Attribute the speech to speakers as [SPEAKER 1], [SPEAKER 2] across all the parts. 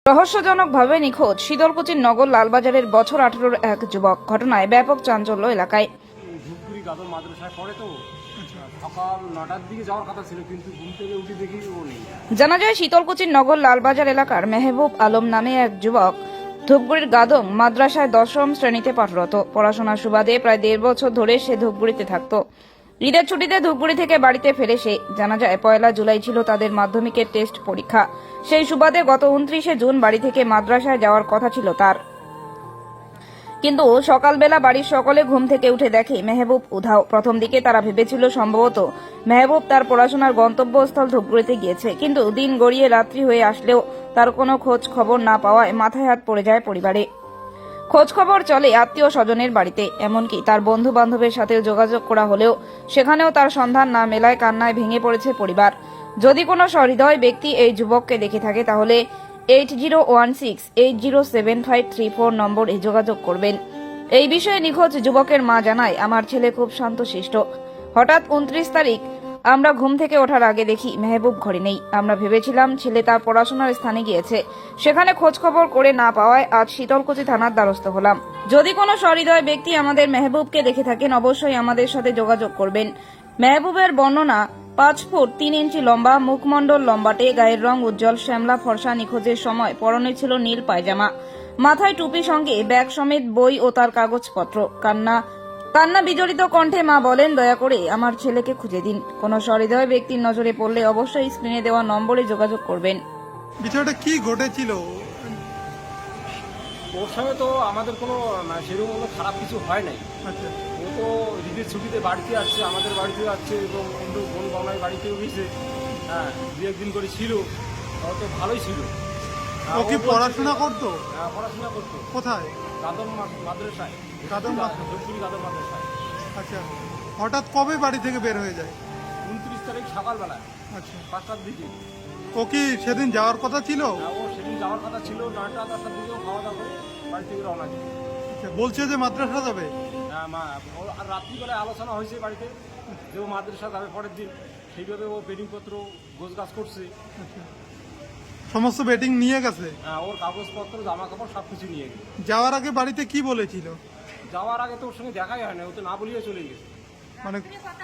[SPEAKER 1] রহস্যজনকভাবে নিখোঁজ শীতলকুচির নগর লালবাজারের বছর 18-র এক যুবক। ঘটনায় ব্যাপক চাঞ্চল্য এলাকায়।
[SPEAKER 2] ধূপগুড়ি গাদর মাদ্রাসায় পড়ে তো সকাল 9টার দিকে যাওয়ার কথা ছিল, কিন্তু ঘুম থেকে উঠে দেখি ও নেই।
[SPEAKER 1] জানা যায় শীতলকুচির নগর লালবাজার এলাকার মেহবুব আলম নামে এক যুবক ধূপগুড়ির গাদং মাদ্রাসায় 10ম শ্রেণীতে পাঠরত। পড়াশোনার সুবাদে প্রায় 1.5 বছর ধরে সে ধূপগুড়িতে থাকত। ঈদের ছুটিতে ধূপগুড়ি থেকে বাড়িতে ফেরে সে। জানা যায় 1 জুলাই ছিল তাদের মাধ্যমিকের টেস্ট পরীক্ষা। সেই সুবাদে গত 29 জুন বাড়ি থেকে মাদ্রাসায় যাওয়ার কথা ছিল তার, কিন্তু সকালবেলা বাড়ির সকলে ঘুম থেকে উঠে দেখে মেহবুব উধাও। প্রথম দিকে তারা ভেবেছিল সম্ভবত মেহবুব তার পড়াশোনার গন্তব্যস্থল ধূপগুড়িতে গিয়েছে, কিন্তু দিন গড়িয়ে রাত্রি হয়ে আসলেও তার কোনো খোঁজ খবর না পাওয়ায় মাথায় হাত পড়ে যায় পরিবারে। খোঁজ খবর চলে আত্মীয় স্বজনের বাড়িতে, এমনকি তার বন্ধু বান্ধবের সাথেও যোগাযোগ করা হলেও সেখানেও তার সন্ধান না মেলায় কান্নায় ভেঙে পড়েছে পরিবার। যদি কোনো সহৃদয় ব্যক্তি এই যুবককে দেখে থাকে তাহলে 8016807534 নম্বরে যোগাযোগ করবেন। এই বিষয়ে নিখোঁজ যুবকের মা জানায়, আমার ছেলে খুব শান্তশিষ্ট। হঠাৎ 29 তারিখ আমরা ঘুম থেকে ওঠার আগে দেখি মেহবুব ঘরে নেই। আমরা ভেবেছিলাম ছেলে তার পড়াশোনার স্থানে গিয়েছে। সেখানে খোঁজ খবর করে না পাওয়ায় আজ শীতলকুচি থানার দ্বারস্থ হলাম। যদি কোনো সহৃদয় ব্যক্তি আমাদের মেহবুবকে দেখে থাকেন অবশ্যই আমাদের সাথে যোগাযোগ করবেন। মেহবুবের বর্ণনা 5 ফুট 3 ইঞ্চি লম্বা, মুখমণ্ডল লম্বাটে, গায়ের রং উজ্জ্বল শ্যামলা ফর্সা। নিখোঁজের সময় পরনে ছিল নীল পায়জামা, মাথায় টুপি, সঙ্গে ব্যাগ সমেত বই ও তার কাগজপত্র। কান্না বিজড়িত কণ্ঠে মা বলেন, দয়া করে আমার ছেলেকে খুঁজে দিন। কোনো সহৃদয় ব্যক্তির নজরে পড়লে অবশ্যই স্ক্রিনে দেওয়া নম্বরে যোগাযোগ করবেন।
[SPEAKER 3] বিষয়টা কি ঘটেছিল?
[SPEAKER 2] ওর সঙ্গে তো আমাদের কোনো সেরকম কোনো খারাপ কিছু হয় নাই।
[SPEAKER 3] আচ্ছা,
[SPEAKER 2] ও তো ঈদের ছুটিতে বাড়িতে আসছে, আমাদের বাড়িতেও আসছে এবং অন্য বোন বাংলায় বাড়িতেও গেছে। হ্যাঁ, 2-1 দিন করে ছিল, ও তো ভালোই ছিল।
[SPEAKER 3] ও কি পড়াশোনা করতো?
[SPEAKER 2] হ্যাঁ, পড়াশোনা করতো।
[SPEAKER 3] কোথায়?
[SPEAKER 2] গাদর মাদ্রাসায়।
[SPEAKER 3] গাদর মাদ্রাসায়।
[SPEAKER 2] ধূপগুড়ি গাদর মাদ্রাসায়।
[SPEAKER 3] আচ্ছা, হঠাৎ কবে বাড়ি থেকে বের হয়ে যায়?
[SPEAKER 2] 29 তারিখ সকালবেলা
[SPEAKER 3] আচ্ছা,
[SPEAKER 2] 5টার দিকে।
[SPEAKER 3] ও কি সেদিন যাওয়ার কথা ছিল?
[SPEAKER 2] হ্যাঁ, ও সেদিন যাওয়ার কথা ছিল, 9টা-10টার দিকেও খাওয়া দাওয়া করে বাড়ি থেকে রওনা দিল।
[SPEAKER 3] আচ্ছা, বলছে যে মাদ্রাসা যাবে।
[SPEAKER 2] হ্যাঁ, আর রাত্রিবেলায় আলোচনা হয়েছে বাড়িতে যে ও মাদ্রাসা যাবে পরের দিন। সেইভাবে ও বেডিংপত্র গোছগাছ করছে।
[SPEAKER 3] আচ্ছা, সমস্ত বেটিং নিয়ে গেছে।
[SPEAKER 2] হ্যাঁ, ওর কাগজপত্র জামা কাপড় সব কিছু নিয়ে গেছে।
[SPEAKER 3] যাওয়ার আগে বাড়িতে কি বলেছিল?
[SPEAKER 2] যাওয়ার আগে তো ওর সঙ্গে দেখাই হয় না, ও তো না বলিয়ে চলে গেছে।
[SPEAKER 3] মানে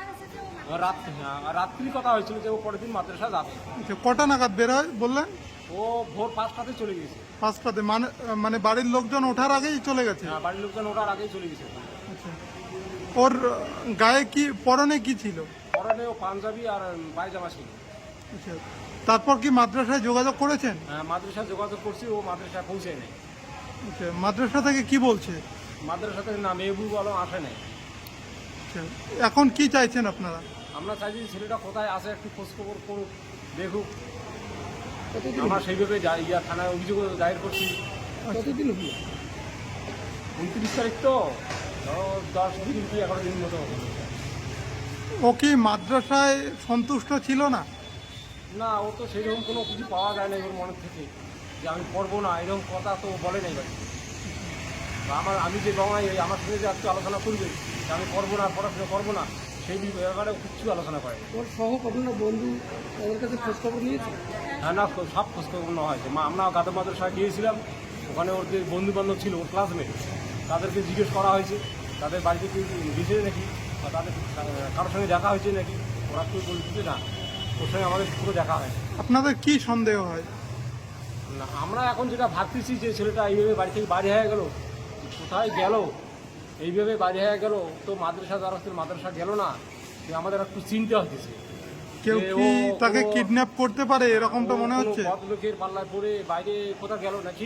[SPEAKER 2] রাত্রি কথা হয়েছিল যে ও পরের দিন মাদ্রাসা যাবে।
[SPEAKER 3] আচ্ছা, কটা নাগাদ বের হয় বললেন?
[SPEAKER 2] ও ভোর 5টাতে চলে গেছে।
[SPEAKER 3] 5টাতে? মানে বাড়ির লোকজন ওঠার আগেই চলে গেছে।
[SPEAKER 2] হ্যাঁ, বাড়ির লোকজন ওঠার আগেই চলে গেছে।
[SPEAKER 3] আচ্ছা, ওর গায়ে কি, পরনে কি ছিল?
[SPEAKER 2] পরনে ও পাঞ্জাবি আর পায়জামা ছিল।
[SPEAKER 3] আচ্ছা, তারপর কি মাদ্রাসায় যোগাযোগ করেছেন?
[SPEAKER 2] হ্যাঁ, মাদ্রাসায় যোগাযোগ করছি, ও মাদ্রাসায় পৌঁছে নেই।
[SPEAKER 3] আচ্ছা, মাদ্রাসা থেকে কি বলছে?
[SPEAKER 2] মাদ্রাসা থেকে না, মেহবুব আলম আসে নাই।
[SPEAKER 3] আচ্ছা, এখন কি চাইছেন আপনারা?
[SPEAKER 2] আমরা চাইছি ছেলেটা কোথায় আছে একটু খোঁজখবর করুক, দেখুক। আমরা সেইভাবে থানায় অভিযোগ দায়ের করছি।
[SPEAKER 3] কতদিন?
[SPEAKER 2] 29 তারিখ তো, ধরো 10 দিন কি 11 দিন মতো হবে।
[SPEAKER 3] ও কি মাদ্রাসায় সন্তুষ্ট ছিল না?
[SPEAKER 2] না, ও তো সেইরকম কোনো কিছু পাওয়া যায় না ওর মনের থেকে যে আমি পড়বো না, এরকম কথা তো বলে নাই বাড়ি। আমি যে বাংলায় আমার সঙ্গে যে আজকে আলোচনা করবে যে আমি পড়বো না, পড়াশোনা করবো না, সেই ব্যাপারে কিছু আলোচনা করে।
[SPEAKER 4] ওর সহ কখনো বন্ধু ওদের কাছে খোঁজখবর নিয়েছে?
[SPEAKER 2] হ্যাঁ, না, সব খোঁজখবর নেওয়া হয়েছে। আমরা গাদর মাদ্রাসায় গিয়েছিলাম, ওখানে ওর যে বন্ধু বান্ধব ছিল, ওর ক্লাসমেট, তাদেরকে জিজ্ঞেস করা হয়েছে তাদের বাড়িতে কেউ গেছে নাকি, বা তাদের কারোর সঙ্গে দেখা হয়েছে নাকি। ওরা কেউ বলছে না, ওর সঙ্গে আমাদের পুরো দেখা হয়।
[SPEAKER 3] আপনাদের কি সন্দেহ হয়?
[SPEAKER 2] না, আমরা এখন যেটা ভাবতেছি যে ছেলেটা এইভাবে বাড়ি থেকে বাড়ি হয়ে গেল, কোথায় গেল, এইভাবে বাড়ি হয়ে গেল, তো মাদ্রাসা যারা মাদ্রাসা গেল না, যে আমাদের একটু চিন্তা হতেছে।
[SPEAKER 3] কেউ কি তাকে কিডন্যাপ করতে পারে এরকমটা মনে হচ্ছে?
[SPEAKER 2] লোকের পাল্লায় পড়ে বাইরে কোথাও গেল নাকি,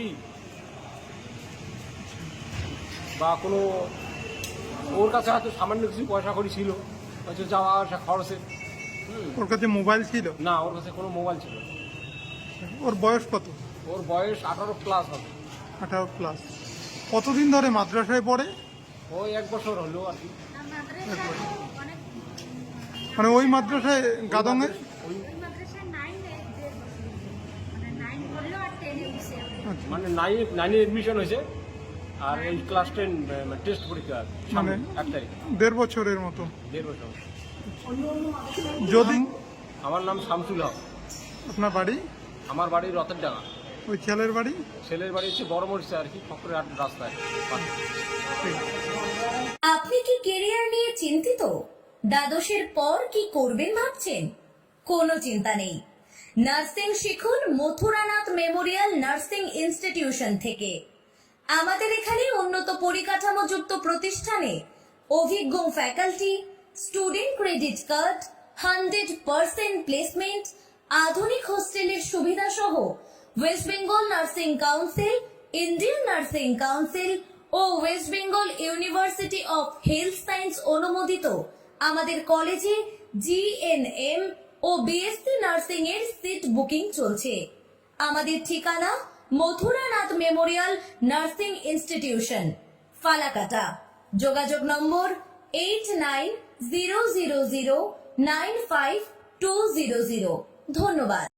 [SPEAKER 2] বা কোনো ওর কাছে হয়তো সামান্য কিছু পয়সা করি ছিল, হয়তো যাওয়া আসা খরচে।
[SPEAKER 3] ওর কাছে মোবাইল ছিল
[SPEAKER 2] না, ওর কাছে কোনো মোবাইল ছিল না।
[SPEAKER 3] ওর বয়স কত?
[SPEAKER 2] ওর বয়স 18 প্লাস হবে।
[SPEAKER 3] 18 প্লাস। কতদিন ধরে মাদ্রাসায় পড়ে?
[SPEAKER 2] ওই 1 বছর হলো আর কি।
[SPEAKER 3] মানে ওই মাদ্রাসায় গাদঙে?
[SPEAKER 2] মানে 9-এ এডমিশন হয়েছে, আর এই ক্লাস 10 টেস্ট পরীক্ষা সামনে 1 তারিখ।
[SPEAKER 3] 1.5 বছরের মতো।
[SPEAKER 2] 1.5 বছর।
[SPEAKER 3] যদি
[SPEAKER 2] আমার নাম শামসুল হক।
[SPEAKER 3] আপনার বাড়ি?
[SPEAKER 2] আমার বাড়ি রথের ডাঙ্গা।
[SPEAKER 3] ওই ছেলের বাড়ি?
[SPEAKER 2] ছেলের বাড়ি হচ্ছে বড় মরিচা আর কি, ফকরের হাট রাস্তায়।
[SPEAKER 5] আপনি কি কেরিয়ার নিয়ে চিন্তিত? দ্বাদশের পর কি করবেন ভাবছেন? কোনো চিন্তা নেই। নার্সিং শিখুন মথুরানাথ মেমোরিয়াল নার্সিং ইনস্টিটিউশন থেকে। আমাদের এখানে উন্নত পরিকাঠামোযুক্ত প্রতিষ্ঠানে অভিজ্ঞ faculty, student credit card, 100% placement, আধুনিক হোস্টেলের সুবিধা সহ West Bengal nursing council, Indian nursing council ও West Bengal university of health science অনুমোদিত আমাদের কলেজে জিএনএম ও বিএসসি নার্সিং এর সিট বুকিং চলছে। আমাদের ঠিকানা Mathuranath memorial nursing institution, Falakata. যোগাযোগ নম্বর 8900095200। ধন্যবাদ।